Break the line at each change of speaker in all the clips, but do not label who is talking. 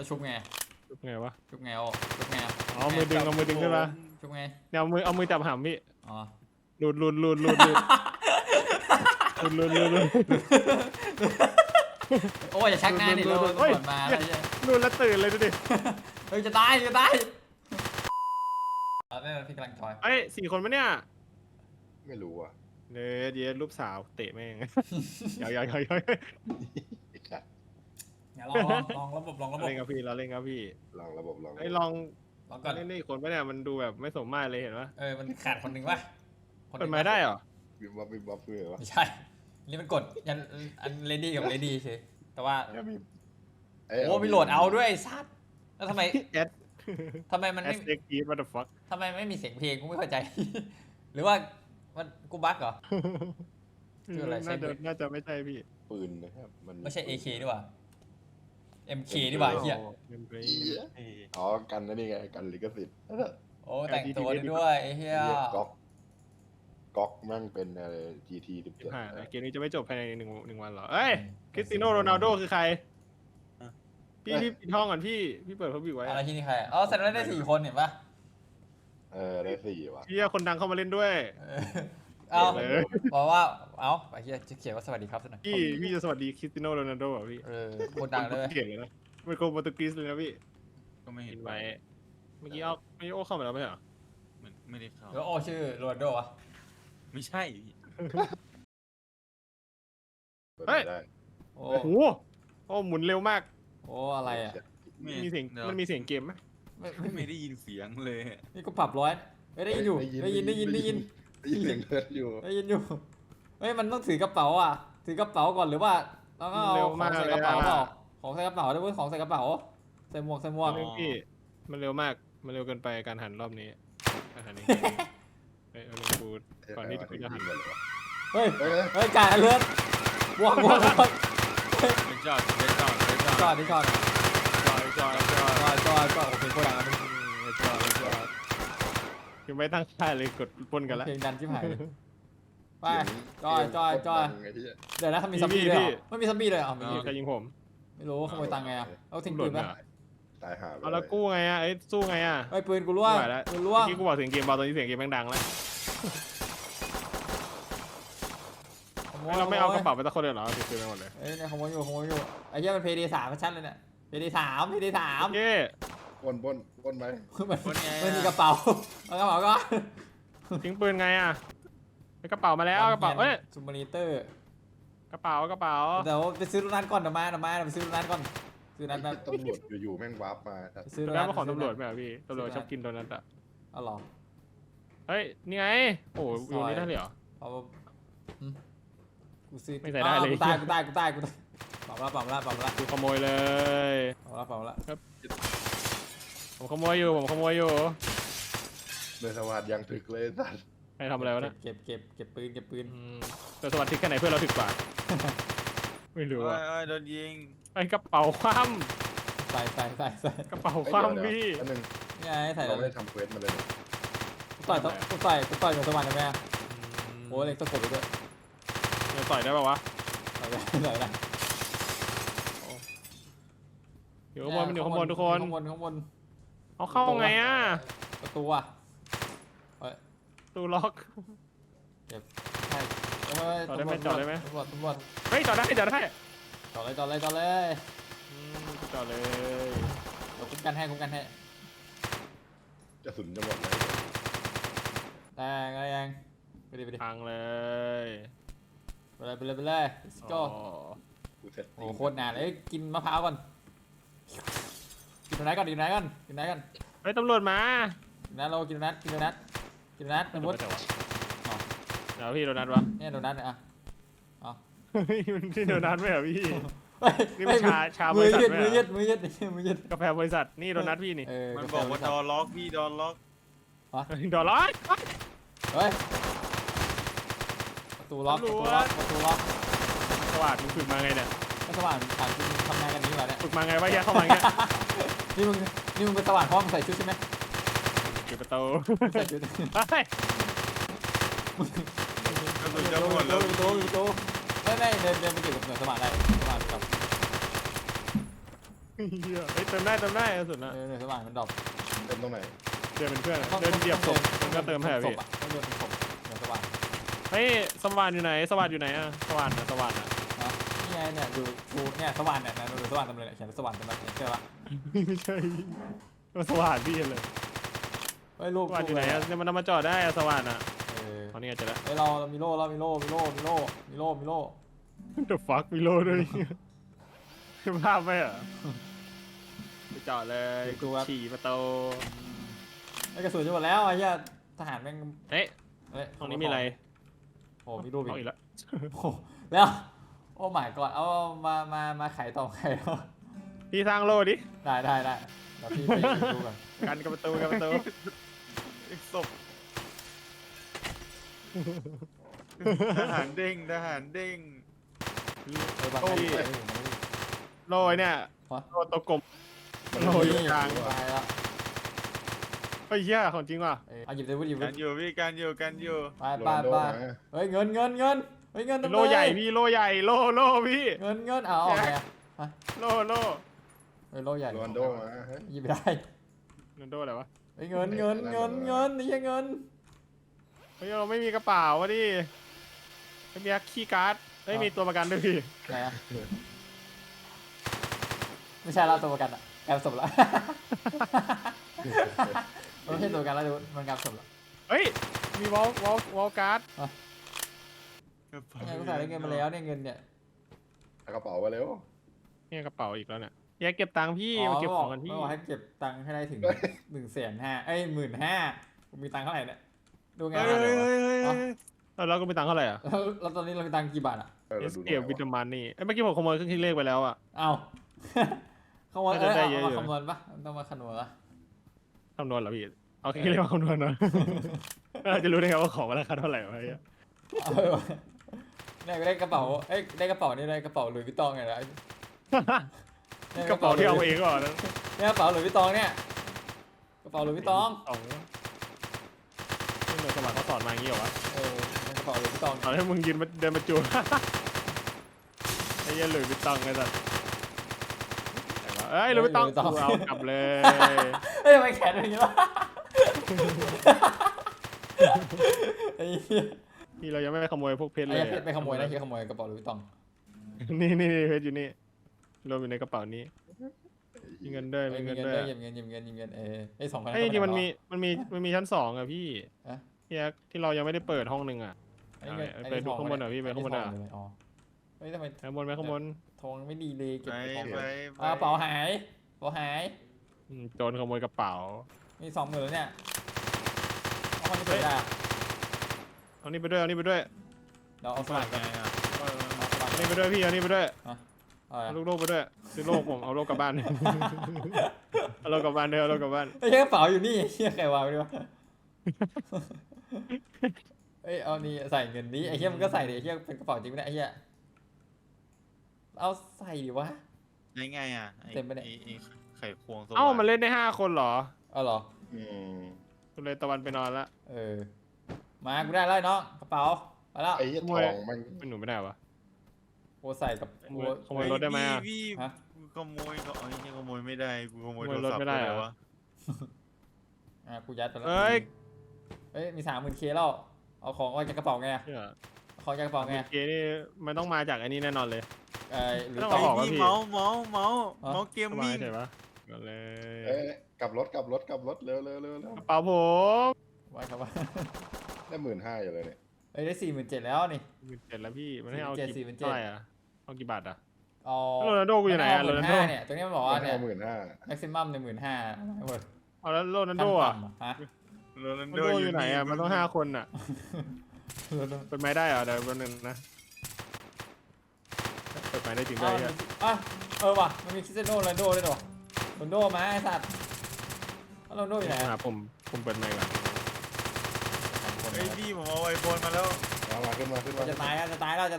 ชุบไง
ชุบไงวะ
ชุบไงโอ้ชุบไง
อ๋อมือดึงเอามือดึงขึ้นมา
ชุบไง
เนี่ยเอามือจับหำพี่
อ๋อ
หลุด
โอ้ยอย่าชักหน้าดิเราตำรวจมาแล้ว
หลุดแล้วตื่นเลยดูดิ
เฮ้ยจะตายไม่พี่กำลังจอย
เอ้ย4 คนปะเนี่ย
ไม่รู้อ่ะ
เนื้อเย็ดรูปสาวเตะแม่งยาว
ไอ้สัส
อย่าลองระบบ
เล่นกับพี่เราเล่นกับพี่
ลองระบบลอง
ไอ้ลอง
ก่อน
เล่นได้อีกคนปะเนี่ยมันดูแบบไม่สมมาตรเลยเห็นปะ
มันขาดคนหนึ่งวะ
เปิดไม้ได้เหรอ
วิบวับวิบวับเลยวะ
ไม่ใช่นี่มันกดยันอันเลดี้กับเลดี้เฉยแต่ว่าโอ้มีโหลดเอาด้วยซัดแล้วทำไม
แอด
ทำไมมัน
แอ
ไม่
ดเซ็กกีดวัตถุฟัค
ทำไมไม่มีเสียงเพลงกูไม่เข้าใจ หรือว่ามันกูบั๊กเหรอ คืออะไรใช่
น่าจะไม่ใช่พี่
ปืนนะครับมัน
ไม่ใช่ AK ดีกว่า MK ดีกว่าเฮีย
อ๋อกันนั่นนี่ไงกันลิขสิทธิ์
โอ้แต่งตัวได้ด้วยไอ้เฮีย
ก๊อกมั่งเป็นอะไร GT 17
เกมนี้จะไม่จบภายในหนึ่งวันเหรอเอ้ยคริสติโนโรนัลโดคือใครพี่ปิดห้องก่อนพี่เปิดพับบิกไว้
อะไรที่นี่ใครอ๋อแสดงว่าได้4 คนเห็นปะ
ได้4ว่ะ
พี่คนดังเข้ามาเล่นด้วย
เอาบอกว่าเอาไอ้เฮียจะเขียนว่าสวัสดีครับสักหน่อย
พี่จะสวัสดีคริสติโนโรนัลโดอ่ะพี่
คนดังเลย
เก่งเลยนะเป็นคนโปรตุเกสเลยนะพี่
ก็ไม่เห็
เห็
น
นไว้เมื่อกี้โอ้เข้ามาแล้วไม่เหรอ
เหมือนไม่ได้เข้า
แล้วโอชื่อโรนัลโดวะ
ไม่ใช่พี่
ได้
โอ้
โอ้โหโอ้หมุนเร็วมาก
โอ้อะไรอ่ะ
มีเสียงมันมีเสียงเกมไหม
ไม่ได้ยินเสียงเลย
นี่ก็ปรับร้อยได้ยินอยู่ได้ยิน
ได้ยินเสียงเลือดอยู่
ได้ยินอยู่เฮ้ยมันต้องถือกระเป๋าอ่ะถือกระเป๋าก่อนหรือว่าแล้วก็เอาของใส่กระเป๋าเปล่าของใส่กระเป๋าได้เว้ยของใส่กระเป๋าใส่หมวก
พี่มันเร็วมากมันเร็วเกินไปการหันรอบนี้การหันนี้เฮ้ยเอาลงกูก่อนที่จะหัน
เฮ้ยจ่ายเลือดบวก
เป็นจอด
จอด
จอย
โอเคโคตรดังอ่ะ
ยังไม่ตั้งค่ายเลยกดปนกันแล้ว
เพลงดันชิบหายไปจอยเดี๋ยวนะถ้ามีซัมบี้เลยไม่มีซัมบี้เลยอ่ะมี
ใครยิงผม
ไม่รู้ขโมยตังค์ไงอ่ะเอาทิ้งปืนปะ
ตายหา
เอาแล้วกู้ไงอ่ะสู้ไงอ่ะ
ไอ้ปืนกูร่วงปืนร่วง
เมื่อกี้กูบอกเสียงเกมเบาตอนนี้เสียงเกมแม่งดังแล้วเราไม่เอากระเป๋าไปตะคนเลยเหรอถือไปหมดเลย
เอ้ยเนี่ยขโมยอยู่ไอ้เหี้ยมันเพย์ดี3ชัดเลยเนี่ยเพย์ดี3
เย้
ปนไหม
มันมีกระเป๋าเอากระเป๋าก็
ทิ้งปืนไงอ่ะกระเป๋ามาแล้วกระเป๋าเอ้ย
ซูมอนิเตอร์
กระเป๋า
เดี๋ยวไปซื้อรถนั้นก่อนเดี๋ยวมาไปซื้อรถนั้นก่อนซื้อนั้นแบบ
ตำรวจอยู่ๆแม่งวาร์ปมา
ซื้อรถ
แล้
นั้
วน มาของตำรวจไหมอ่ะพี่ตำรวจชอบกินโดนัทอ่ะ
เอาหรอ
เฮ้ยนี่ไงโอ้อยู่นี่ได้เลยเหรอ
เอากูซื้อ
ไม่ใส่ได้เลย
กูตายเปล่าละ
กูขโมยเลย
เปล่าละ
ผมขโมยอยู่
เดินสวัสดยังถึกเลยสัตว์
ใครทำอะไรวะเนี่ย
เก็บปืน
แต่สวัสดีแค่ไหนเพื่อนเราถึกกว่าไม่รู้อ่ะ
โดนยิง
ไอ้กระเป๋าคว่
ใส่
ำกระเป๋าคว่ำพี่
อันนึง
นี่ไงใส่
เรา
เล
ไม่
ย
ได้ทำเควสมาเลย
กูต่อยกับสวรรค์ได้ไหมโอ้เล็กตะกบไปด้วย
จะต่อยได้ป่าวะ
ต่อยได้
อยู่ข้างบนมันอยู่ข้างบนทุกคน
ข้างบน
เอาเข้าไงอ่ะ
ประตูอ่ะ
ตู้ล็อก
ใช่
จอดได้ไหมจอดได้ไหม
ตำรวจ
เฮ้ยจอดได้
จอดเลย
จอดเลย
เราคุ้มกันให้
จะสุนจะหมดเลย
แต่ไงยังไปดิ
พังเลย
ไปเลย let's go
กูเสร็จ
โอ้โคตรนานเลยกินมะพร้าวก่อนกินโดนัทก่อน
เฮ้ยตำรวจมา
กินโดนัทสมมติ
เดี๋ยวพี่โดนัทวะ
เนี่ยโดนัทเนี่ยอ่ะ
นี่โดนัทไหมเหรอพี่ นี่
ไม่
มันชาบ
มื
ริ
อ
ษัท
ยืด
ไหม
มือ
เหร
ยื
อ
ดมือยืด
กาแฟบริษัทนี่โดนัทพี่นี่
มันบอกว่าดอล็อกพี่ดอล็อก
ดอลลาร์
เฮ้ยประตูล็อก
สวัสดีฝึกมาไงเนี่ย
ก็สว่างผ่านจริงทำงานกันนี้แบบเนี้ย
ฝึกมาไงวะแยกเข้ามาเงี้ย
นี่มึงเป็นสว่างเพราะมึงใส่ชุดใช่ไหม
ปิดประตู
ใส่ชุด
เฮ้ย
กระสุนจะหมดแล้ว
ประตูไม่เดินไปเกี่ยวกับเหนือสว่างได้สว่างกับ
เหี้ยเฮ้ยเติมได้สุดนะ
เดี๋ยวสว่างมันดรอป
เต็มตรงไหน
เดินเป็นเพื่อนเดินเหยียบศพมันก็เติมให้พี่
ต้องเดินเป็นศพเดี๋ยวสว่าง
เฮ้ยสว่านอยู่ไหนสว่านอยู่ไหนอะสว่านอะ
นะนี่ไงเนี่ยดูเนี่ยสว่างเนี่ยนะดูสว่างเต็มเลยเนี่ยเขียนสว่างเต็มเลยเชื่อปะ
ไม่ใช่สว่านพี่เลย
เฮ้ยรูป
สว่านอยู่ไหนอะเนี่ยมันเอามาจอดได้อะสว่านอะ
ต
ตอนนี้อาจจะแล้ว
เฮ้ยเรามีโล่
The fuck มีโลด้วยภาพไหมอ่ะไปจอดเลยฉี่ประตู
ไอ้กระสุนจะหมดแล้วไอ้เหี้ยทหารแม่ง
เฮ้ย
เฮ้ย
ตรงนี้มีอะไร
โอ้มีรูป
เอา
อี
อี
ก
กแล้ว
โอ้แล้วโอ้หมายก่อนเอามาไขต่อไขแล้ว
พี่สร้างโลดิ
ได้เดี๋ยวพี่ไปดูก่อน
กันกับประตู
อีกศพทหารเด้ง
เออบางที
โลไอ้เนี่ยโลตัวกลมโลอยู่กลาง
ตายแล้ว
เฮ้ยเหี้ยของจริงว่ะ
เอาหยิบเลยวุ้ยหยิบเล
กัน
ย
อยู่พี่กันอยู่
ไป
โรนัลโดมา
เฮ้ยเงินเฮ้ยเงิน
โลใหญ่พี่โลใหญ่โลพี่
เงินเอาออกไง
โล
เฮ้ยโลใหญ่
โรนัลโดมาเฮ้ย
หยิบไม่ได้
นันโดอะไรวะ
เฮ้ยเงินนี่ใช่เงิน
เฮ้ยเราไม่มีกระเป๋าวะดิไม่มีคีย์การ์ดไม่มีตัวประกันด้วยพี่
ไหนอะไม่ใช่เราตัวประกันอะกลายเป็นศพแล้วไม่ใช่ตัวประกันแล้วดูมันกลายเป็นศพแล้ว
เฮ้ยมีวอลการ์ด
เนี่ยกูใส่ได้เงินมาแล้วเนี่ยเงินเนี่ย
เอากระเป๋ามาเร็ว
เนี่ยกระเป๋าอีกแล้วเนี่ยแยกเก็บตังค์พี่มาเก็บของกันพี่
ไม่บอกให้เก็บตังค์ให้ได้ถึง150,000เอ้ย15,000กูมีตังค์เท่าไหร่เนี่ยดูไง
เฮ้ย
อ๋อ
เราก็มีตังค์เท่าไหร่อ่ะ
แล้วตอนนี้เรามีตังค์กี่บาทอ่ะ
เออ
เอ
เรา
ส
ดู
เก็บวิตามินนี่เมื่อกี้ผมขโมยเครื่องคิดเลขไปแล้วอ่ะ
เอ้าขโมย
น่าจะได้เยอะอยู่
มาคำนวณปะต้องมาคำนวณปะ
คำนวณเหรอพี่เอาเครื่องคิดเลขมาคำนวณหน่อยเราจะรู้ได้ไงว่าของมันราคาเท่าไหร่วะเนี่ย
เนี่ยได้กระเป๋าเอ้ยได้กระเป๋านี่ได้กระเป๋าหลุยส์วิตตองไงนะ
กระเป๋าที่เอาเองก่อนนะ
เนี่ยกระเป๋าหลุยส์วิตตองเนี่ยกระเป๋าหลุยส์วิตตอง
สองนี่เหมือนสมัครเขาสอนมาอย่างนี้เหรอวะ
เป็นกระเป๋าหลุยส์วิตตอง
ตอนให้มึงยืนมาเดินมาจูบไอ้เหี้ยันหลุยส์วิตตองไงสัสเอ้ยหลุยส์วิตตองกูเอากลับเลย
เฮ้ยทำไมแขนเป็นอย่างนี้วะไอ้เหี้ย
พี่เรายังไม่ไปขโมยพวกเพชร
ไอ้
เลย
เพชรไปขโมยนะเฮียขโมยกระเป๋าหลุยส์วิตตอง
นี่เพชรอยู่นี่รวมอยู่ในกระเป๋านี้มีเงินด้วยมี
มี
เงิน
เงิน
ด้ว
ด้วย ยหยิบเงินไอ้2,000
ไอ้จริงๆมันมีชั้น2อ่ะพี่พี่แอ๊กที่เรายังไม่ได้เปิดห้องนึงอ่ะ ไปดูข้างบนหน่อยพี่ไปข้างบนหน่อย
อ๋อเฮ้ยทำไม
ข้างบนไปข้างบน
ทองไม่ดีเลยเก็บ
ไป
ของ
ไป
กระเป๋าหาย
โจรขโมยกระเป๋า
มี20,000แล้วเนี่ยเอาคนที่เปิดได้อะ
เอานี่ไปด้วยเอานี่ไปด้วย
เราเอาสมัครกัน
ไงอ่ะ
เอานี่ไปด้วยพี่เอานี่ไปด้วย
อะไร
เอาลูกโลกไปด้วยซื้อโลกผมเอาโลกกลับบ้านเอาโลกกลับบ้านเด้อเอาโลกกลับบ้าน
ไอ้เหี้ยกระเป๋าอยู่นี่เฮียใครวางไว้ดีวะเอ้ยเอานี่ใส่เงินนี้ไอ้เฮียมันก็ใส่ดิไอ้เฮียเป็นกระเป๋าจริงไหมเนี่ยไอ้เฮียเอาใส่ดิวะ
ไงอ่ะไอ้
เต็มไปเนี่ย
ไอ้ไข่ควงสว่าง
เอ้ามันเล่นได้5คนเหรอ
เอาเหรอ
อืม
คุณเลยตะวันไปนอนละ
มากูได้แล้วน้องกระเป๋าไปแล้ว
ไอ้เหี้ยทองมัน
เป็นหนูไม่ได้วะ
กูใส่กับกู
ขโมยรถได้ไหมอะ
พี่
ฮะ
กูขโมยก็ขโมยไม่ได้กูขโมย
ขโม
โท
ย
ร
รถ
ศัพท์
ไม่ได้เหรอ
วะ
กูยัดไปแล้ว
เอ้ย
เอ้ยมี30,000 แล้วเอาของออกจากกระเป๋าไง
เชื่อ
เอาของจากกระเป๋าไง
เกนี่มันต้องมาจากอันนี้แน่นอนเลย
หรือ
ต้
ต่
ง
อ
ออกวะ
พี่
พี่
เมาส์เกม
เข้ามา
มิ่ง
ใช่ปะก็เลย
เอ้ยกลับรถเร็ว
กระเป๋าผม
ไว้ครับว่า
ได้15,000อยู่เลยเนี่ย
เอ้ยได้47,000แล้วนี่
17แล้วพี่มันให้เอา
47
กี่
47
เท่าไหร่อ่ะเอากี่บาทอ่ะ
เอา
โรนัลโดกูอยู่ไหนอะโรนัลโด
15,000เนี่ยตรงนี้มันบอกว่าเนี่ย
15,000
maximum 15,000หมด
เอาแล้วโรนัลโดอ่ะ
ฮะ
โรนัล
โร
โด
นัลโดอยู่ไหนอ่ะมันต้อง5คนอ่ะ
โรนัลโด
เปิดไม้ได้เหรอเดี๋ยวแป๊บนึงนะเปิดไม้ได้จริงด้วยอ่ะ
ว่ะมันมีคริสเตียโนโรนัลโดด้วยเหรอโรนัลโดมาไอ้สัตว์โรนัลโดอยู่ไหน
หาผมเปิดไม้ก่อน
เฮ้ยพี่ผมเอาไอโฟนมาแล้ว
มาขึ้นมา
จะตายแล้ว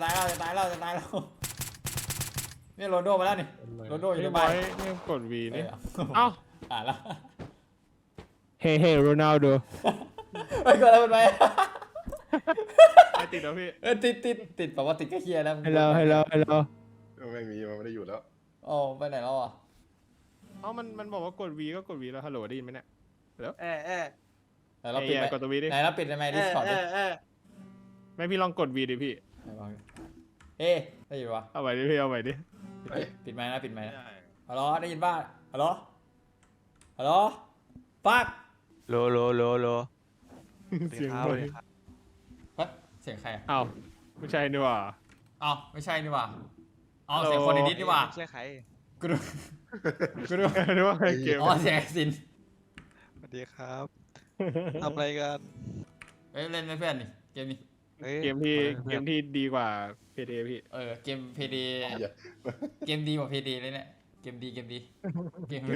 นี่โรนัลโดมาแล้วนี่ โรนัลโดอยู่ในบ้าน
นี่กด V
เอ้
นี่
ย
เอ้า
อ่านแล้ว
เฮ้โรนัลโด
เฮ้ยกดอะไรมันไป
ไอติดแล้วพี่
ติดแปลว่าติดก็เฮียแล้ว
ฮัลโหล
ไม่มีมันไม่ได้อยู่แล้ว
โอ้ไปไหนแล้วอ่ะ
มันบอกว่ากด V ก็กด V แล้วฮัลโหลได้ยินไหมเนี่ย
ไหนเราปิดไหม
กดตัว V ดิ
ไหนเราปิดได้ไหมดิสคอร์ดดิ
ไม่พี่ลองกด V ดิพี่
ไหนลองดิเฮ้ได้ยินปะ
เอาใหม่ดิพี่เอาใหม่ดิ
ปิดไมค์นะปิดไมค์
ไม่
นะ
ได้
ฮัลโหลได้ยินป่ะฮัลโหลฮัลโหลปัก
โลโลโลโล
เสียง
ครับ
ด้วย
เฮ้ยเสียงใครอะ
อ้าวไม่ใช่นี่หว่า
อ้าวไม่ใช่นี่หว่าอ๋อ
ฮัลโหล
เสียงคนในดิสนี่หว่า
ไม่ใช่ใคร
กูดูกูดู
นึกว่าเกม
อ๋อเสียงไอ้ซิน
สวัสดีครับทำอะไรกัน
เอ้ยเล่นไหมเพื่อนนี่เกมนี้
ฮ้ย
เกมที่ดีกว่า PTA พี่
เกมเพดี
อย่า
เกมดีกว่าเพดีเลยเนี่ยเกมดีเกมดีเกมดี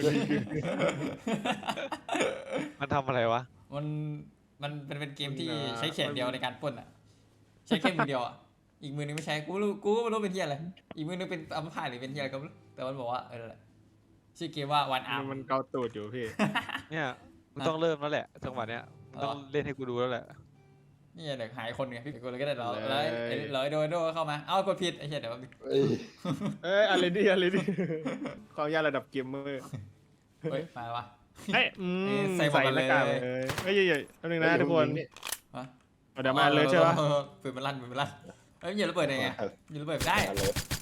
มันทำอะไรวะ
มันเป็นเกมที่ใช้แขนเดียวในการปล้นอ่ะใช้แค่มือเดียวอ่ะอีกมือนึงไม่ใช้กูไม่รู้เป็นเทียอะไรอีกมือนึงเป็นอัมพาตหรือเป็นเทียอะไรก็ไม่รู้แต่มันบอกว่านั่นแหละชื่อเกมว่าวันอาร์ม
มันเกาตูดอยู่พี่
เนี่ยมึงต้องเริ่มแล้วแหละจังหวะเนี้ยมึงต้องเล่นให้กูดูแล้วแหละ
นี่เดี๋ยวหายคนไงพี่กูเลยก็ได้เรา
เลย
แล้วไอ้โดเข้ามาเอ้ากดผิดไอ้เหี้ยเดี๋ยวแป๊บนึง
เอ้ย
อะไรดิความยากระดับเกมเมอร์
เฮ้ยมาแล้ววะ
เฮ้ย
ใส่หมวกกัน
หน้ากาก
เลย
เลยเฮ้ยแป๊บนึงนะทุกคน
ฮะ
เอาเดี๋ยวมาเลยใช่ปะ
ปืนมันลั่นเฮ้ยอย่าระเบิดได้ไงอย่าระเบิดไม่ได้
อะไร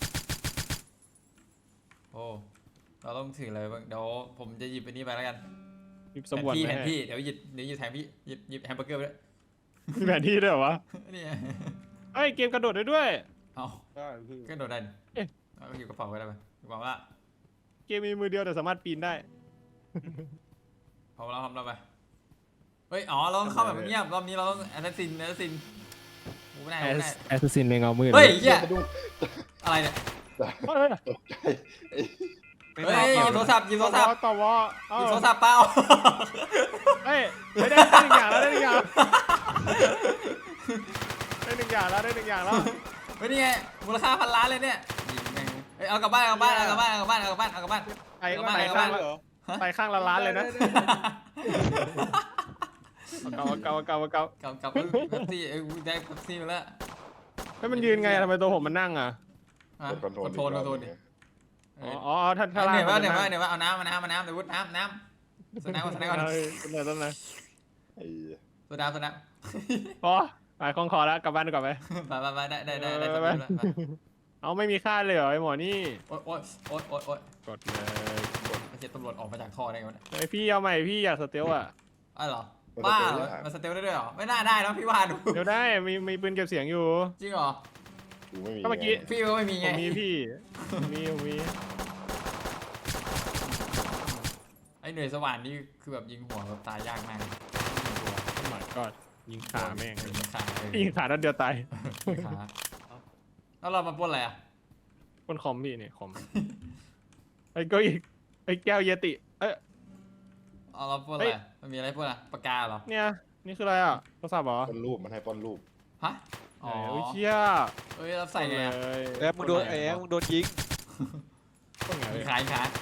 โอ้เราต้องถืออะไรบ้างเดี๋ยวผมจะหยิบอันนี้ไปแล้วกัน
หยิบสมบัติ
แผน
มา
ที่
ให้
เดี๋ยวหยิบแทนพี่หยิบแฮมเบอร์เกอร์ไปด้วย
มีแผนที่ด้วยเหรอวะ
นี่
เฮ้ยเกมกระโดดได้ด้วย
เอา
ได้พี่
ก็โดดได้นี่
เอ๊ะ
เอาอยู่กระเป๋าไว้ได้ไหมกระเป๋าละ
เกมมีมือเดียวแต่สามารถปีนได้
พอเราทำเราไปเฮ้ยอ๋อเราต้องเข้าแบบเงียบรอบนี้เราต้องแอสซินกูไม่ได้
แอสซินในเงามืด
เฮ้ยเหี้ย
สะดุ้ง
อะไรเนี่ย
เฮ้ย
ตกใจ
ไม่
เฮ้ย
มา
หยิบโทรศัพท์หยิบโทรศัพท์
ต่อวอ
หยิบโทรศัพท์เปล่า
เฮ้ยได้หนึ่งอย่างแล้วได้หนึ่งอย่างแล้ว
เฮ้ยนี่ไงมูลค่า1,000 ล้านเลยเนี่ยยิงแม่งเฮ้ยเอากลับบ้าน
ไปข้างละล้านเลยนะเกา
กลับเป๊ปซี่ได้เป๊ปซี่มาแล้ว
แล้วมันยืนไงทำไมตัวผมมันนั่งอ่ะ
คอนโทรลดิ
อ๋อท่านท่า
เหนื่อยว่าเอาน้ำเดี๋ยววุ้น้ำสแน็คก่อน
ต้นไหน
ไอ้
โซดา
พอไปคล้องคอแล้วกลับบ้านก่อนไป
ไปได้
เอาไม่มีค่าเลยเหรอไอหมอนี่
โอ๊ย
กดเลย
ไม่ใช่ตำรวจออกมาจากท่อได้ไงวะเนี่ย
ไอพี่เอาใหม่พี่อยากสเตลอ่ะ
อ้าวเหรอบ้ามันสเตลได้ด้วยเหรอไม่น่าได้นะพี่ว่าดู
เดี๋ยวได้มีปืนเก็บเสียงอยู่
จริงเหรอ
กูไม่มี
ก็เมื่อกี้
พี่ก็ไม่มี
ผ
ไง
มมีพี่มี
ไอ้เหนื่อยสว่านนี่คือแบบยิงหัวแบบตายยากมาก
โอ้ my god ยิงขาแม่ง
ยิงขา
ยิงขานัดเดียวตาย
ขาแล้วเรามาปล้นอะไรอ่ะ
คนคอมพี่เนี่ยคอมไอ้ก็อีกไอ้แก้วเยติเอ้ย
เอาเราปล้นอะไรมันมีอะไรปล้นอ่ะปากกาเหรอ
เนี่ยนี่คืออะไรอ่ะโทรศัพท์เหรอ
ป้อนรูปมันให้ป้อนรูป
ฮะอ๋อ
โอ้ยเชี่ย
เอ้ยเราใส่ไงอะ
เลย
แอบมึงโดนมึงโดนยิง
ต้องไง
ยิงขา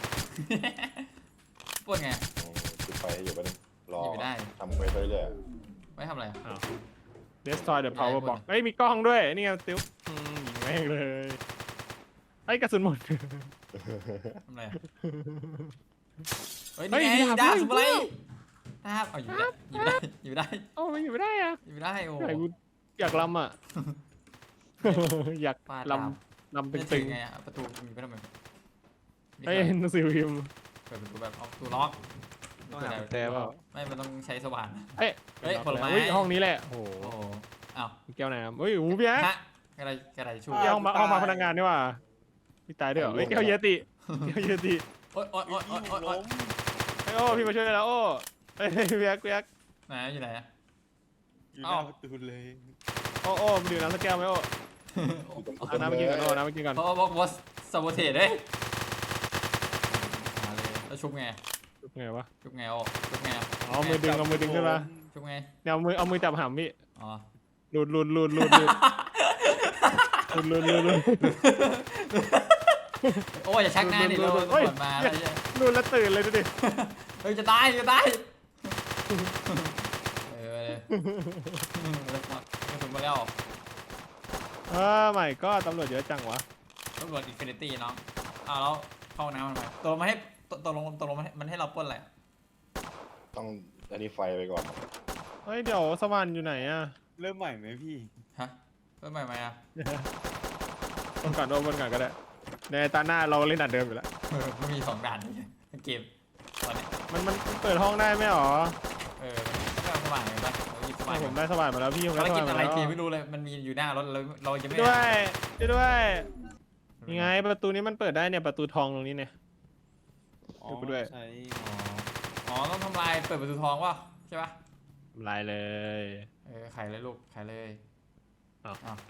ปล้นไง
จุดไฟอยู่บ้านรอ
อยู่ไม่ได้
ทำไปเรื่อย
ไม่ทำอะไรอ่ะ
Destroy the power box เอ้ยมีกล้องด้วยนี่ไงติ๊วยิงแม่งเลยไอ้กระสุนหมด
ทำอะไรอ่ะเฮ้ย
เฮ้ย
นี่ไง
ดาบ
ดาบสมุไรดาบเอาอยู่ได้
โอ้มันอยู่ไม่ได้อ่ะ
อยู่ไม่ได้โอ้
ไหนกูอยากลำอ่ะ อยาก
ฟาด
ล
ดาบ
ำ
ไม่
ตึ
ถึ
ง
งไงอ่ะประตูมีไปทำไม
ๆไอ้หนังสือพิมพ์
เปิดประตูแบบเอาประตูล็อก
ต้องหากุญแจเปล่า
ไม่มันต้องใช้สว่าน
เอ้ย
เฮ้ยผลไม้
เฮ้ยห้องนี้แหละโอ้โห
โอ้โหอ้าว
แก้วน้ำเฮ้ยหูพี่แอ๊ะ
ฮะกระไรชู
พี่ห้องมาพนักงานนี่ว่าพี่ตายด้วยเหรอเฮ้ยแก้วเยติแก้วเยติ
โอ๊ย
ไอ้โอ้พี่มาช่วยแล้วโอ้เฮ้ยพี่แอ๊กพี่แอ๊ก
ไหนอยู่ไหนอะ
อยู่หน้าประตูเลย
โอ้มันดื่มน้ำสักแก้วไหมโอ้เอาน้ำมากินก่อนโอ้น้ำมากินก่อน
เพราะว่าบอสซาโบเทสเด้มาเลยแล้วชุบไง
ไงวะ
ชุบไงโอ้ชุบไง
เอามือดึงขึ้นมา
ชุบไง
เนี่ยเอามือจับหำพี่
อ๋อ
หลุด
โอ้ยอย่าชักหน้าดิเราตำรวจมาแล้ว
หลุดแล้วตื่นเลยดูดิ
เฮ้ยจะตายเออเลยกระสุนมาแล้ว
ใหม่ก็ตำรวจเยอะจังวะ
ตำรวจอินฟินิตี้น้องอ้าวแล้วเข้าน้ำมันไปตัวมาให้ตกลงมันให้เราปล้นอะไรอะ
ต้องอันนี้ไฟไปก่อน
เฮ้ยเดี๋ยวสวรรค์อยู่ไหนอะ
เริ่มใหม่ไหมพี่
ฮะปล้นใหม่ไหมอะ
บนก่อนโดนบนก่อนก็ได้ในตาหน้าเราเล่นด่านเดิมอยู่แล้ว
มันมี2 ด่านนี่เกมตอนเนี้ย
มันเปิดห้องได้ไหมหรอ
ก็เอาสว่างเลยปะเราหยิบสว่าง
ผมได้สวรรค์มาแล้วพี่ผม
ภาร
ได้ส
กิ
ว
จ
รรค์
อะ
มา
ไร
แล้ว
เกมไม่รู้เลยมันมีอยู่หน้ารถเราจะไม่
ด้วยด้วยยังไงประตูนี้มันเปิดได้เนี่ยประตูทองตรงนี้เนี่ย
อ๋อ
ดูด้วย
ใช้
อ๋อต้องทำลายเปิดประตูทองวะใช่ปะ
ทำลายเลย
ไขเลยลูกไขเลย
อ้าว
อ้าว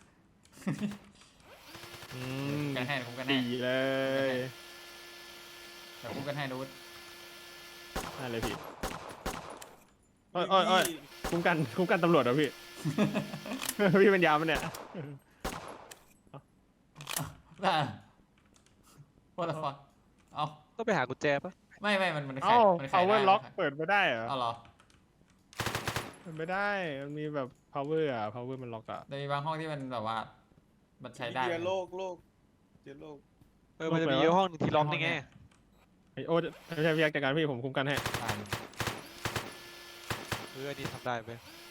อืม
กันให้ผมกันให้
ดีเลย
เดี๋ยวผมกันให้ดู
ได้เลยพี่อ้อยคุ้มกันตำรวจเหรอพี่ พี่เป็นยามมันเนี่ย
ได้ว่าแต่ฟังเอา
ต้องไปหากุญแจปะ
ไม่มันไข
เอ้า
มันไข
power
ได้
lock เปิดไม่ได้เหรอ
เอาเหรอ
เปิดไม่ได้ มันมีแบบ power อ่ะ power มันล็อกอ่ะ
แต่มีบางห้องที่มันแบบว่ามันใช้ได้
เจอโลกเจอโลก
มันจะมีห้องหนึ่งที่ล็อกนี่ไง
ไอโอ้ไม่ใช่พี่ยักษ์จัดการพี่ผมคุ้มกันให้
อ่าน
อันนี้ทำได้ไหม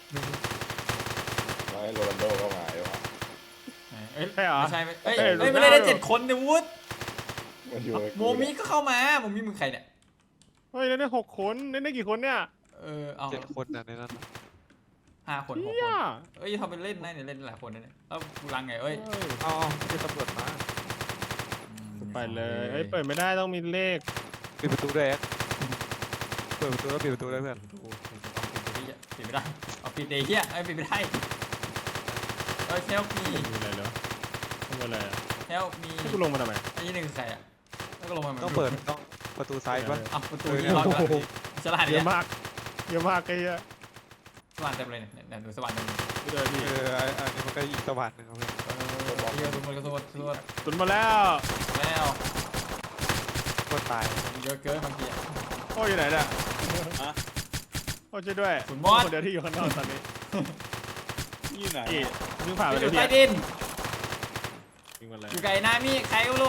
แล้วให้โรนัลโดก็มาใช่ปะ
เอ้ย
ใช่เหรอ
ไม่ใช่เอ้ย
เอ้ย
เอ้ย
โรนัลโด
ไม่ได้ได้7 คนเนี่ยวุฒ
มันอยู่กับ
โมมิก็เข้ามาโมมิมึงใครเนี่ย
เฮ้ยเล่นได้6 คนเล่นได้กี่คนเนี่ย
เอา
7 คนน่ะในนั้นน่ะ
5 คน 6
เฮี
ค
ย
นเอ้ยทำเป็นเล่นนะเนี่ยเล่นหลายคนนะเนี่ยแล้วกูรังไงเอ้ย
เอาไม่ใช่ตำรวจมา
ไปเลยเอ้ยเปิดไม่ได้ต้องมีเลข
ปิดประตูด้วยแอ๊กเปิดประตูแล้วปิดประตูด้วยเพื่อน
โอ้โหปิดไม่ได้เอาปิดเดย์เฮียปิดไม่ได้help me
มีอะไรเหรอทำอะไรอ่ะ
help me
ให้กูลงมาทำไม
ไอ้นี่1ใครอ่ะแล้วก็ลงมา
ต้องเปิดต้องประตูซ้ายปะ
ประตูที่ล็อก
โอ้โห
ฉลาด
เย
เนี่ย
อะมากเยอะมากไอ้เหี้ย
สว่านเต็มเลยเนี่ยดูสว่านเต็มเลย
ไม่ได้พี่
อันนี้มันก็อีกสว่านหนึ่งครับเพื่อน
เยอะทุกคนก็ทุกคน
ตุนมาแล้ว
แล้ว
คนตาย
เยอะเกินบางที
โอ้ยอยู่ไหนเนี่ย
ฮะ
โอ้ช่วยด้วย
คุณมอส
คนเดียวที่อยู่ข้างนอกตอนนี้
อยู่ไหน
พี่วิ่งผ่านไป
อ
เลย
ยู่
พี่
ใต้ดิน
วิ่งมาเลย
อยู่ไกลนามิใครก็รู้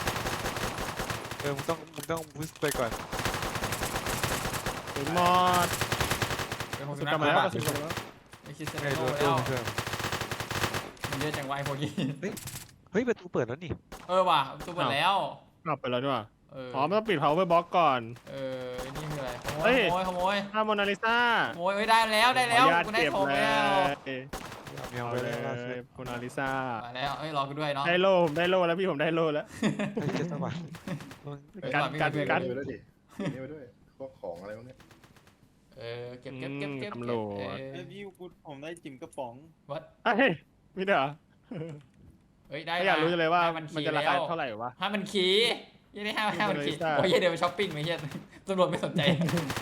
มึงต้องพุชไปก่อน
ตุนมอด
เป็นคน
สุ
สุ
ด
นั
กลั
ข
บมาแล้ว
บ้า
ก็สุดกลับมาแล้ว
ไม่คิดเซน
ไอ้
โน
ตัว
แล้ว
เพื่อน
มันเยอะจังวะไอ้พวกนี้
เฮ้ยประตูเปิดแล้วนี่
ว่ะตัวหมดแล้ว
กลับไปแล้วด้วย
อ๋
มันต้องปิด power box ก่อน
นี่คืออะไร
เฮ้ย
ขโมย
ถ้าโมนาลิซา
ขโมยได้แล้วได้แล้ว
ขออนุญาต
กูได้
เก็บ
ของ
เล
แล้ว
ย
เมียว
เอา
ไป
เล
เลย
ยโมนาลิซา
มาแล้วรอกูด้วยเนาะ
ได้โล่ผมได้โล่แล้วพี่ผมได้โล่แล้ว
ไม่ใช่สว่าน
กัน
นี่ไปด้วยดินี่ไปด้วยพวกของอะไรพวกนี้
เก็บ
ตำรวจ
ไอ้พี่ผมได้จิ๋มกระป๋อง
วัด
เอ้ยมีด้วยเหรอ
เฮ้ยได้
ไม่อยากรู้จังเลยว่า
มั
มันจะราคาเท่าไหร่วะ
5,000 ขียังได้5,000 ขี
Mona Lisa
โอ้ยเดี๋ยวไปช้อปปิ้งไปเฮียตำรวจไม่สนใจ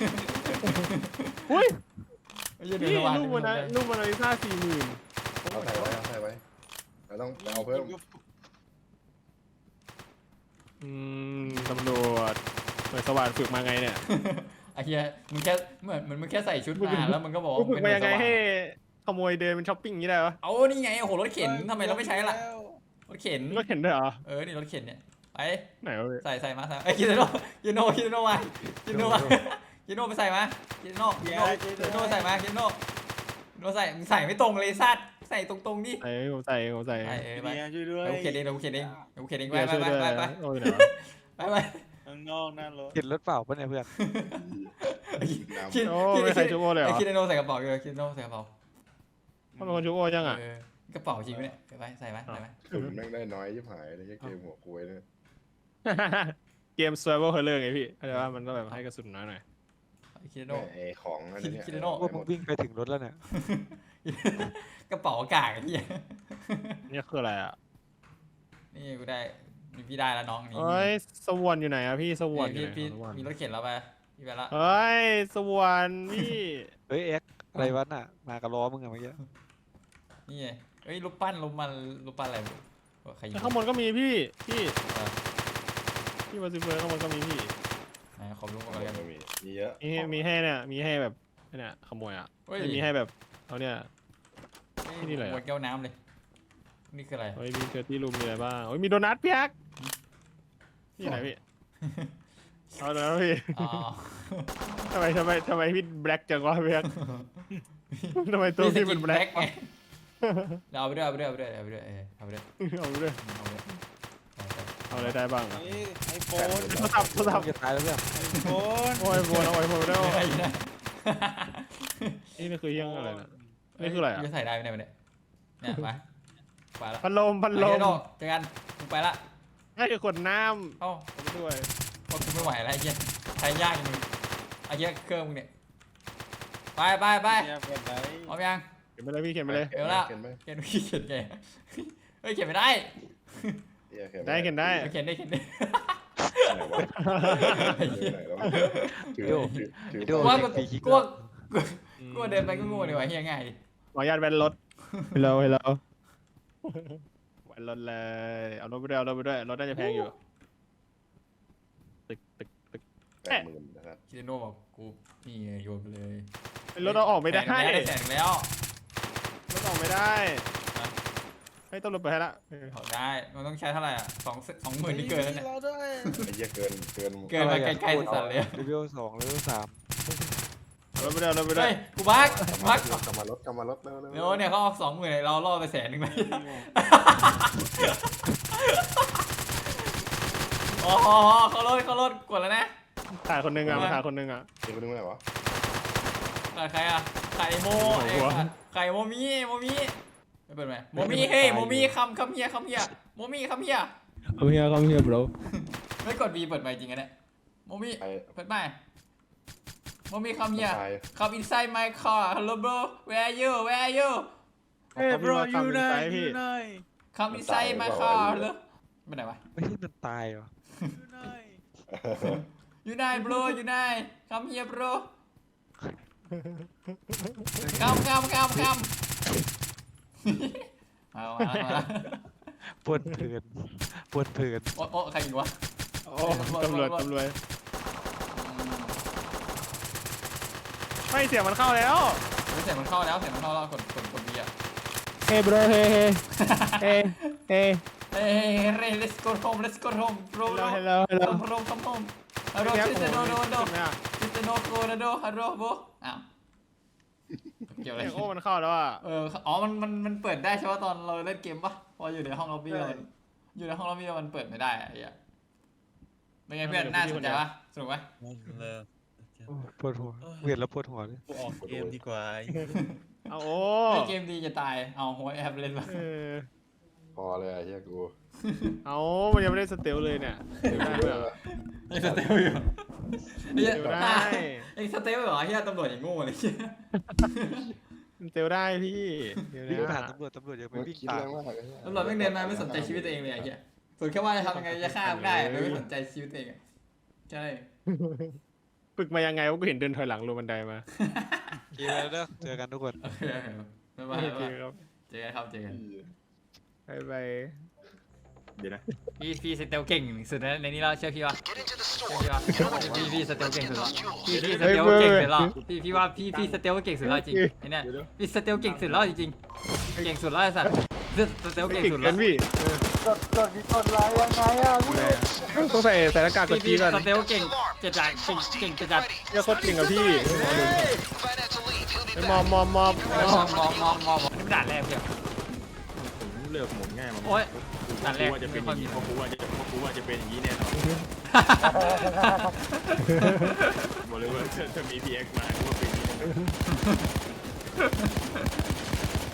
อุ้ย
เดี๋ยว
นี่
สว่าง
ลูกโมนาลิซา40,000
เอาใส่ไว้เราต้องเอาเพิ่ม
ตำรวจหน่วยสวัสดิ์ฝึกมาไงเนี่ย
ไอ้เฮียมึงแค่เหมือนมึงแค่ใส่ชุดมาแล้วมึงก็บอก
ฝึกมายังไง
เป็นหน่วสว่
ให้ขโมยเดินเป็นช้อปปิ้งอย่างนี้ได้วะ
เอานี่ไงโอ้โหรถเข็นทำไมเราไม่ใช้ล่ะรถเข็น
รถเข็นด้วยเหรอ
นี่รถเข็นเนี่ยไป
ไหนวะพี่
ใส่มาไอ้กินโน่กินโน่มากินโน่ไปใส่มากินโน่ใส่มากินโน่ใส่มึงใส่ไม่ตรงเลยซัดใส่ตรงๆดิ
ผมใส่
ไป
ช่วยด้วย
กูเข็นเองกูเข็นเองไป
เดี๋ยวช่วยด้วย
ไป
โอ้ยไหนวะ
ไป
ข้างนอกหน้ารถ
เห็นรถเปล่าปะเนี่ยเพื่อน
คิด
โอ้ไม่ใส่ชูโอเลยเหรอ
คิดโน่ใส่กระเป๋าคิดโน่ใส่กระเป๋า
เขาเป็นคนชูโอยังอ่ะ
กระเป๋าจริงไหมเนี่ยไปใส่ไหม
สุดแม่งได้น้อยยิ่หายเลยเกมหัวกล้วยเนี่ย
เกม survival horror ไงพี่เข้าใจว่ามันต้องแบบให้กระสุนน้อยหน่อย
คิดโน่
ไอ้ของอันนี้
คิดโน่
ว่ามึงวิ่งไปถึงรถแล้วเนี่ย
กระเป๋ากากไอ้เหี้ย
นี่คืออะไรอ่ะ
นี่กูได้พี่ได้แล้วน้องนี่
เฮ้ยสวรรค์อยู่ไหนอ่ะพี่สวรรค์อยู่
พี่
ไหนสวรรค์
มีรถเข็นแล้วไปพี่ไปละ
เฮ้ยสวรรค์พี่
เฮ้ยแอ๊กอะไรวะน่ะมากับล้อมึงอะเมื่อกี้
นี่เฮ้ยรูปปั้นอะไรใครยิง
ข้างบนก็มีพี่มาซิเฟอร์ข้างบนก็มีพี่
ขอบลุงก่อนกัน
มีเยอะ
มีให้เนี่ยมีให้แบบเนี่ยขโมยอ่ะมีให้แบบเอาเนี่ย ที่นี่อะไรอะ
หมดแก้วน้ำเลยนี่คืออะไร
เฮ้ยมีเกอร์ตี้รูมมีอะไรบ้างเฮ้ยมีโดนัทพี่แอ๊กนี่ไหนพี่เอาแล้วพี่
อ๋อ
ทำไมพี่แบล็กจังวะพี่แบล็กทำไมตัวพี่เป็นแบล็ก
ไงเดี๋ยวเอาไปด้วยเอาไปด้วยเอาไปด้วยเอาไปด้วยเอาไปด้วย
เอาเลย
เอาไปด้วย
เอาอะไรได้บ้างอะ
ไอโฟน
โทรศัพท์
จะตายแล้วเพื่อน
ไอโฟน
โอ้ยโวยเอาไว้ผมได้
เอาไปนะ
นี่คือยังอะไรนะนี่คืออะไรอ่ะ
จะใส่ได้ไหมเนี่ยเนี่ยไปละ
พัดลม
ไปเดี๋ยวเจอกันกูไปละ
นี่คือขวดน้
เอ้า
ำไปด้วย
พอกูไม่ไหวแล้วไอ้เหี้ยใช้ยากจริงไอ้เหี้ยเครื่องมึงเนี่ยไปไปไป
เนี่ยเปิดไหน
พร้อมยัง
เขียนไปเลยพี่เขียนไปเลย
เดี๋ยวละ
เขียนไหม
เขียนพี่เขียนไงเฮ้ยเขียนไม่ได้
เขียน
ได้เขียนได้
เขียนได้เขียนได้
ไหนวะไหนวะถือถือ
โด
กู
น
ว่า
ปีคิก
กูว่าเดินไปก็งูดีกว่าเฮียง่ายดิ
ขออนุญาตแวนรถฮัลโหลฮัลโหลแวนรถเลยเอารถไปด้วยเอารถไปด้วยรถน่าจะแพงอยู่ตึก
80,000นะครับ
คิดโน่บอกกูนี่ไงโยนไปเลย
รถเราออกไม่ได้
แสงแล้ว
รถออกไม่ได้ให้ต้องรถไปให้ละ
ออกได้มันต้องใช้เท่าไหร่อ่ะ20,000นี่เกินแล้วเนี่ย
เราด้วย
ไอ้เหี้ยเกิน
เกินมาไกลๆสัสเลย
เลเวล2เลเวล3
เอารถไปด้วยเอารถไปด้ว
เฮ้
ย
ยกูบัก
กลับมารถเร็ว
เดี๋ยวเนี่ยเขาออก20,000เราล่อไป100,000เลยอ๋อเขาลดกดแล้วนะ
ถ่ายคนหนึงอ่ะมาถ่ายคนหนึงอ่ะ
เดี๋ยวกูนึกว่าไหนวะ
ใครอ่ะไข่โม
หัว
ไข่โมมี่ไม่เปิดไหมโมมี่เฮ้ยโมมี่คำเฮียโมมี่คำเฮีย
come here bro
ไม่กด B เปิดไมค์จริงกันเนี่ยโมมี่
ไอ้
เปิดไมค์โมมี่คำเฮีย
ตาย
come inside my car hello bro where are you
เฮ้ย bro อยู่ไหนอยู่ไหน
come inside my car hello ไปไหนวะ
ไม่ใช่มันตายเหรอ
อยู่ไหน
อยู่ไหน bro อยู่ไหน come here bro come เอา
ปวดเพลิน
โอ้ใครอยู่วะ
โอ้ตำรวจไม่เสียงมันเข้าแล้ว
เสียงมันเข้าแล้วกด B อ่ะ
hey bro hey hey hey
เฮ้ย let's go home bro
hello
come home hello sister no sister no go hello bro อ้าวเกี่ยวอะไร
เสียงโอ้มันเข้าแล้วอ่ะ
อ๋อมันเปิดได้ใช่ป่ะตอนเราเล่นเกมปะพออยู่ในห้องล็อบบี้มันเปิดไม่ได้อะไอ้เหี้ยเป็นไงเพื่อนน่าสนใจปะสนุกปะ
เลิก
ปวดหัวเวียนแล้วปวดหัวเลย
กูออกเกมดีกว่า
เอาโอ้
เกมดีจะตายเอาหัวแอบเล่นปะ
พอเลยไอ้เหี้ยกู
เอามันยังไม่ได้สเตลเลยเนี่ยได้ด้วยเหรอ
ยังสเตลอยู่
สเตลได้
ยังสเตลเหรอเฮียตำรวจอย่างโง่เลยเฮีย
สเตลได้พี่เดี๋ยว
วิ่ง
นะ
ผ่านตำรวจยังไป
มัน
วิ่ง
คิด
ตา
แร
ม
งมากไอ้เหี้ย
ตำรวจไม่เดินมาไม่สนใจชีวิตตัวเองเลยไอ้เฮียส่วนแค่ว่าจะทำยังไงจะฆ่ามันได้โดยไม่สนใจชีวิตตัวเองใช่
ฝึกมายังไงวะกูเห็นเดินถอยหลังลงบันไดมา
เกมแล้วเด้อเจอกันทุกคน
โอเคบ๊ายบาย
โอเคครับ
เจอกันครับเจอกัน
บายบาย
เดี๋ยวนะ
พี่สเตลเก่งสุดในนี้แล้วเชื่อพี่วะพี่สเตลเก่งสุดแล้วพี่สเตลเก่งสุดแล้วพี่ว่าพี่สเตลเก่งสุดแล้วจริงไอ้เนี่ยพี่สเตลเก่งสุดแล้วจริงเก่งสุดแล้วไอ้สัตว์สเตลเก่ง
เก่ง
สุด
เกิ
แล้ว
นพี่ต้องใส่หน้ากากกดจี
พี่
ก่อน
สเตลเก่งจะจัดเก่งจะจัด
เนี่ยโคตรเก่งกับพี่มอม
มองนี่ด่านแรกเพียง
ผมเลือกหมุนง่ายมา
โอ้ยด่านแรก
ว่าจะเป็นอย่างนี้เพราะกูว่าจะเป็นอย่างนี้แน่นอนบอกเลยว่าถ้ามี PX มากูว่าเป็นอย่างนี้